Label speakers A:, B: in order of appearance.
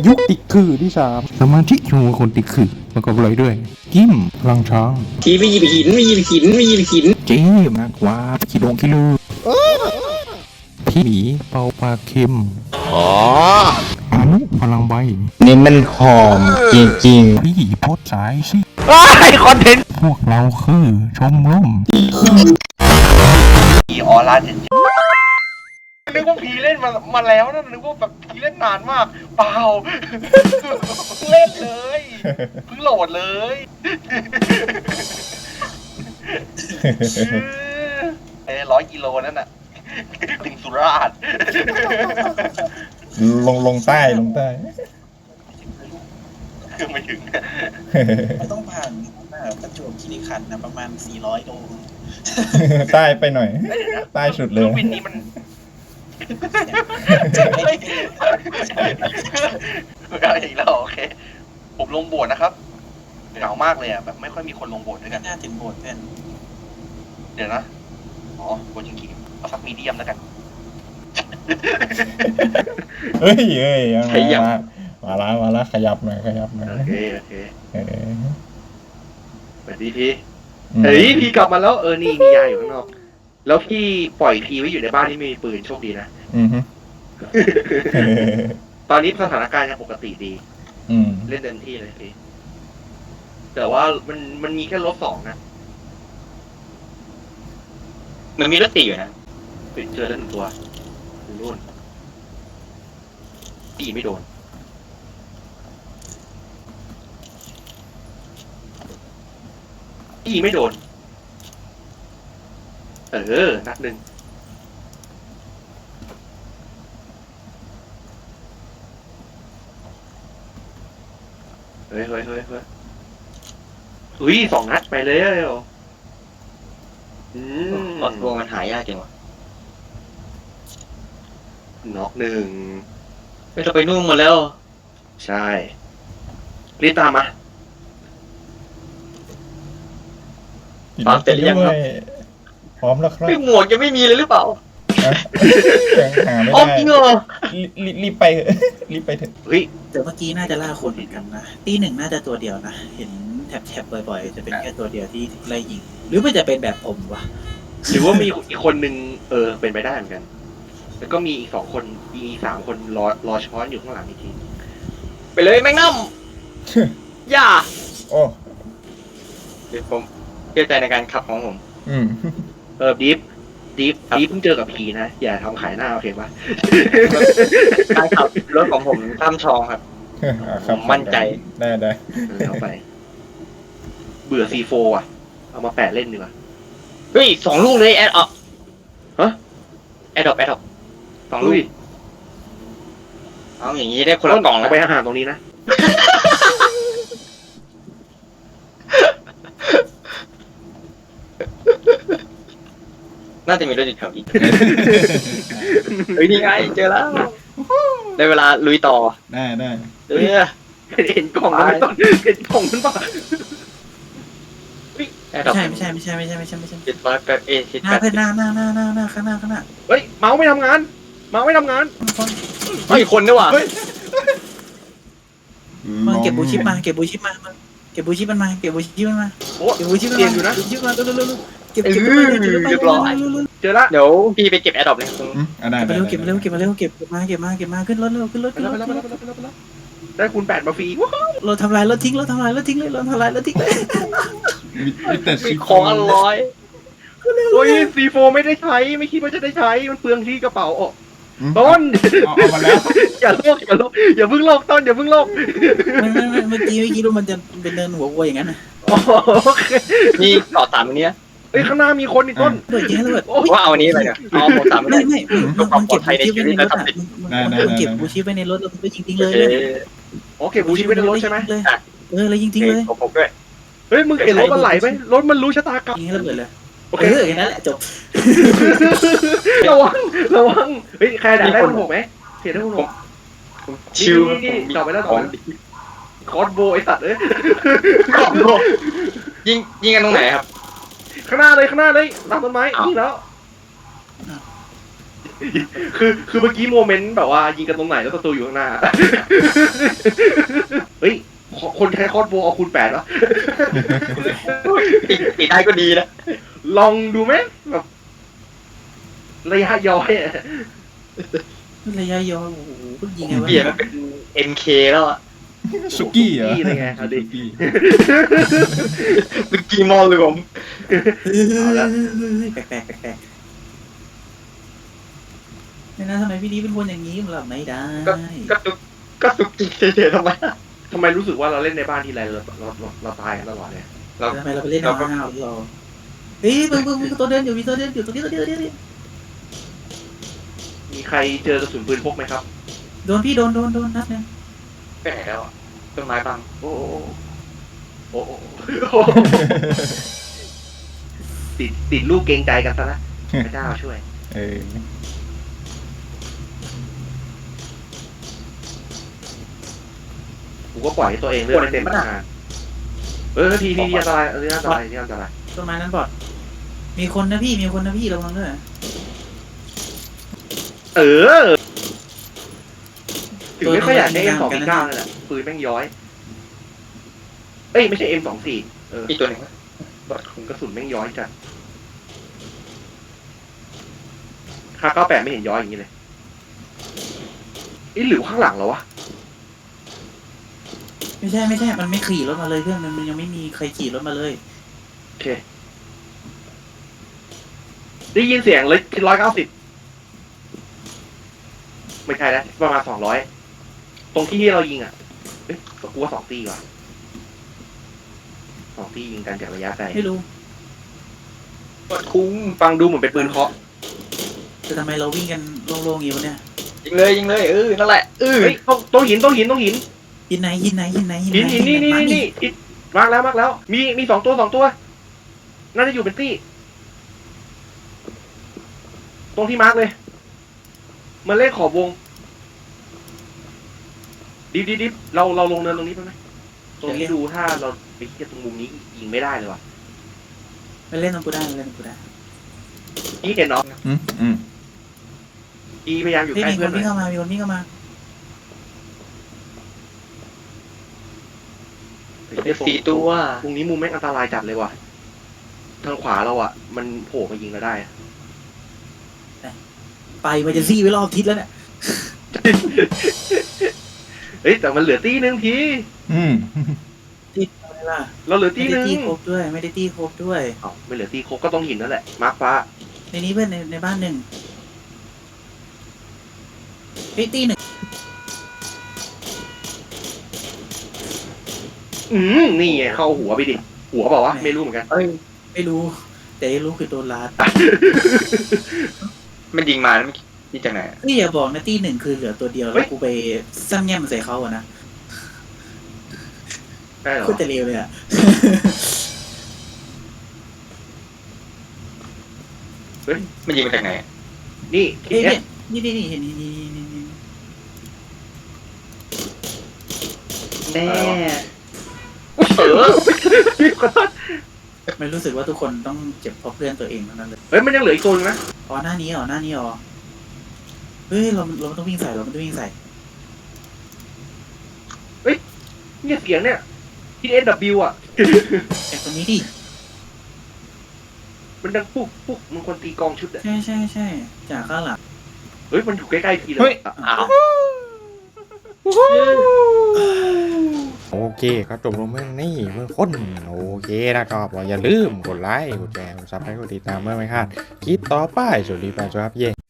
A: ยุคติดคือที่3สมาธิชูคนติดคือประกอบเลยด้วยกิมพลังช้าง
B: ทีไม่หยิบหินไม่หยิบหินไม่หยิบหิน
A: เจ๊มากกว่าขี้ดงขี้ลือพี่หมีเป่าปลาเค็มอนุพลังใบ
B: นี่มันหอมจริง
A: พี่โพดสายสิ
B: ๆว้ายคอนเทนต์
A: พวกเราคือชมรม
C: ผีออร่าเจ็ดนึกว่าผีเล่นมาแล้วนะนึกว่าแบบผีเล่นนานมากเปล่าเล่นเลยเพิ่งโหลดเลย100 กิโลนั่นน่ะถึงสุราษฎร์
D: ลงใต้
C: คือไม่ถึง
E: มันต้องผ่านประจวบคีรีขันธ์นะประมาณ400 โล
D: ใต้ไปหน่อย ใต้สุดเลย
C: ครื่องบินนี้มันอะไรอีกแล้วโอเคผมลงโบสถ์นะครับเหงามากเลยอ่ะแบบไม่ค่อยมีคนลงโบสถ์ด้วยกัน
E: น่าถึงโบสถ์เพื่อน
C: เดี๋ยวนะอ๋อโบสถ์จริงๆเอาสักมีเดียมแล้วกัน
D: เฮ้ยมาละขยับหน่อย
C: โอเค
D: เออ
C: สวัสดีพี่เฮ้ยพี่กลับมาแล้วนี่มียาอยู่ข้างนอกแล้วพี่ปล่อยพีไว้อยู่ในบ้านที่ไม่มีปืนโชคดีนะ
D: อือฮึ
C: ตอนนี้สถานการณ์ยังปกติดี
D: อืม
C: เล่นเต็มที่เลยพี่แต่ว่ามันมีแค่-2นะ
B: มันมีรถติดอยู่นะ
C: เจอแล้ว1 ตัวนู่นตีไม่โดนตีไม่โดนนัดหนึ่งเฮ้ยอุ้ย2 นัดไปเลย
B: ตัวมันหายากจังวะ
C: น็อก1
B: ไม่ต้องไปนุ่งหมดแล้ว
C: ใช่รีบตามมา
B: ตามเสร็จหรือยังครับ
D: พร้อมแล้วครับ
B: ไม่หมวกยังไม่มีเลยหรือเปล่า
D: ยังหาไม่
B: อ๋อ
D: ได้
B: จริงเหรอ
D: รีบไปเถอะรีบไปเถอะ
C: เฮ้ย
E: แต่เมื่อกี้น่าจะล่าคนเหมือนกันนะตีหนึ่งน่าจะตัวเดียวนะเห็นแถบบ่อยๆจะเป็นแค่ตัวเดียวที่ไล่ยิงหรือมันจะเป็นแบบผมวะ
C: หรือว่ามีอีกคนนึงเป็นไปได้เหมือนกัน แล้วก็มีอีก2 คนอีก3 คนรอช้อนอยู่ข้างหลังอีกที
B: ไปเลยแมงนัมอย่า
D: โอ้
B: เดี๋ยวผมเชื่อใจในการขับของผม
D: อืม
C: ดิฟเพิ่งเจอกับผีนะอย่าทำขายหน้าโอเคปะ
B: การขับรถของผมท่ามชองครับ
D: ครับ
B: มั่นใจ
D: ได้
C: แล้วไป เบื่อ C4 อ่ะเอามาแปะเล่นดีกว่า
B: เฮ้ย2 ลูกเลยแอดออก
C: ฮะ
B: แอดออก2 ลูก
C: อุ้ย
B: เอาอย่างนี้ได้คนละกล่อง
C: เอา
B: แล้ว
C: ไปอาหารตรงนี้นะ
B: น่าจะมีรถอยู่แถวนี้เฮ้ยนี่ไงเจอแล้วได้เวลาลุยต่อ
D: ได้
C: เห็นกล่องนั้นตอนเห็นกล่องนั้นปะ
B: แอดออก
E: ไม่ใช่
B: 700ชิด
E: หน้าเพื่อนหน้าข้างหน้า
C: เฮ้ยเมาส์ไม่ทำงาน
B: เฮ้ยคนด้วยว่ะ
E: มันเก็บบูชิปมาเก็บบูชิปมันมาเก็บบูชิปมันมา
C: โอ้
E: เก็บบูชิปมัน
C: เตียนอยู่นะ
E: มาเร็วเก็บ
B: เรียบร้อย
C: เจอละ
B: เดี๋ยวพี่ไปเก็บแอดดอปเลย
D: ได้
E: เก็บมาขึ้นรถขึ้นรถ
C: ได้คูณ 8มาฟรี
E: เราทำลายรถทิ้งเลย
D: มีแต่
B: มีของอร่อย
C: โอ้ย C4 ไม่ได้ใช้ไม่คิดว่าจะได้ใช้มันเปลืองที่กระเป๋าต้น
D: เอามาแล้ว
C: อย่าเพิ่งโลกต้นอย่าเพิ่งโลก
E: เมื่อกี้รู้มันจะเป็นเดินหัววัวอย่างนั้นนะ
C: โอเค
B: มีต่อ3อันเนี้ย
C: เฮ้ยข้างหน้ามีคนอีกต้น
E: เปิดแย่เลย
B: ว่าเอาอันนี้ไปเนี่ยเอาหมด3อัน
E: ไม่
B: นี้
E: มันเก็บบูชิปไว้ในรถอ่ะมันเก็บบูชิปไว้ในรถแล้วมันก็ยิงทิ้งเลย
C: โอเคบูชิไม่ได้รถใช่ไหม
E: เลยยิงทิ้งเลย
B: ผมด้วย
C: เฮ้ยมึงเห็นรถมันไหลไหมรถมันรู้ชะตากรรม
E: ยิงให้ระเบิดเลย
C: โอเค
E: แค่นั้นแหละจบ
C: ระวังเฮ้ยใครด่าได้คุณผมไหมเห็นได้คุณผม
B: ชิว
C: นี่ต่อไปแล้วคอสโบไอสัตว์เอ้ย
B: ยิงกันตรงไหนครับ
C: ข้างหน้าเลยตามต้นไม้ยิงแล้ว คือเมื่อกี้โมเมนต์แบบว่ายิงกันตรงไหนแล้วศัตรูอยู่ข้างหน้าคนใช้คอร์สโบเอาคูณ8วะ
B: ติดได้ก็ดีนะ
C: ลองดูไหมแบบระยะย้อยอะ
E: ระยะยาวโอ้โหก็ยิงไงวะ
B: เปลี่ยนมาเป็น MK แล้วอ่ะ
D: สุกี้เหรอ
C: สุกี้เลยไงเอาดิ
D: สุกี้
B: สุกี้มอลเลยผม
E: แปลกไม่นะทำไมพี่ดีเป็นคนอย่างนี้มันหลับไม่ได้
B: ก็สุกี้เฉยๆทำไม
C: ทำไมรู้สึกว่าเราเล่นในบ้านทีไรเราตายกันตลอดเลย
B: เรา
E: ทำไมเราไปเล่นเอาห้าวเราเฮ้ยมึงตัวเดินอยู่มีตัวเดินอยู่ตรงนี้
C: มีใครเจอกระสุนปืนพกไหมครับ
E: โดนพี่โดนนัดนึง
B: ไปไหนแล้วอ่ะต้นไม้บัง
C: โอ้โอ้ติดลูกเกรงใจกันซะนะพระเจ้าช่วย
D: เออ
C: กูก็ปล่อยให้ตัวเองเลือดไม่เต็มงานทีอันตรายอันตราย
E: ต้นไม้นั้นบอดมีคนนะพี่ระวังด้วย
C: ถึงไม่ค่อยอยากได้ M249 นั่นแหละปืนแม่งย้อยเอ้ยไม่ใช่ M24
B: อีกตัวหนึ่ง
C: กระสุนแม่งย้อยจัดค่า98ไม่เห็นย้อยอย่างนี้เลยหรือข้างหลังเหรอวะ
E: ไม่ใช่มันไม่ขี่รถมาเลยเพื่อนมันยังไม่มีใครขี่รถมาเลย
C: โอเคได้ยินเสียงเลย190ไม่ใช่แล้วประมาณ200ตรงที่เรายิงอ่ะเอ๊ะกูว่า2 ตีว่ะ2 ตียิงกันจากระยะไกล
E: ไม่รู้
B: คุ้ง
C: ฟังดูเหมือนเป็นปืนเคาะ
E: แต่ทำไมเราวิ่งกันโล่งๆอยู่เนี่ย
B: ยิงเลยนั่นแหละ
C: เฮ้ยต้องหิน
E: หินไหนนี่
C: มากแล้วมี2 ตัวน่าจะอยู่เป็นตี้ตรงที่มาร์กเลยมันเลขขอบวงดิบเราลงเนินตรงนี้ไปไหมตรงนี้ดูถ้าเราไปเทียบตรงมุมนี้ยิงไม่ได้เลยว่ะ
E: มันเล่นตรงกูได้
C: นี่เห็นเนาะ
D: อืม
C: อีพยายามอยู่
E: เฮ้ย
C: ใกล้
E: มีค
C: เพื่อน
E: น
C: หน่
E: วิ่ง
C: อย
E: เข้ามา
B: 4 ตัว
C: ตรงนี้มุมแม่งอันตรายจัดเลยว่ะทางขวาเราอ่ะมันโผล่มายิงเราได้
E: ไปมันจะซี่ไว้รอบทิศแล้วเนี่ย
C: เฮ้ยแต่มันเหลือตีนึงที
E: ทิศอะไรล่ะ
C: เราเหลือตี
E: ไม่
C: นึ
E: ได้
C: ง
E: ตีครบด้วยไม่
C: ไม่เหลือตีครบก็ต้องหินนั่นแหละมาร์คฟ้า
E: ในนี้เพื่อนในบ้านหนึ่งตีหนึ่ง
C: นี่ไงเข้าหัวไปดิหัวเปล่าวะไม่รู้เหมือนกัน
E: ไม่รู้ แต่รู้คือโดนลาด
B: มันยิงมาแล้วมันยิงจากไหน
E: นี่อย่าบอกนะตีหนึ่งคือเหลือตัวเดียวแล้วกูไปซ้ำแง่มใส่เขาอะนะ
C: ได้เหรอ
E: โคตรจะเลวเลยอะ
B: มันยิงมาจากไหน
C: นี่
E: เอ๊ะ
C: เอ๊ะ
E: นี่เห็นนี่
B: แน่
E: ไม่รู้สึกว่าทุกคนต้องเจ็บเพราะเพื่อนตัวเองทั้งนั้นเลย
C: เฮ้ยมันยังเหลืออีกตัวนึงนะ
E: อ๋อหน้านี้เฮ้ยเราต้องวิ่งใส่
C: เนี่ยเสียงเนี่ยที่ SW อ่ะ
E: แต่ตรงนี้ดิ
C: มันดังปุ๊กมันคนตีกองชุดอ่ะ
E: ใช่จากข้างหลัง
C: เฮ้ยมันอยู่ใกล้ๆทีเล
D: เฮ้
C: ย
D: ย
B: อ้าว
A: โอเคครับจบลงเมื่อนี้เมื่อคนโอเคนะครับอย่าลืมกดไลค์กดแชร์กดซับสไครต์กดติดตามเมื่อไม่พลาดคลิปต่อไปสวัสดีไปครับเย่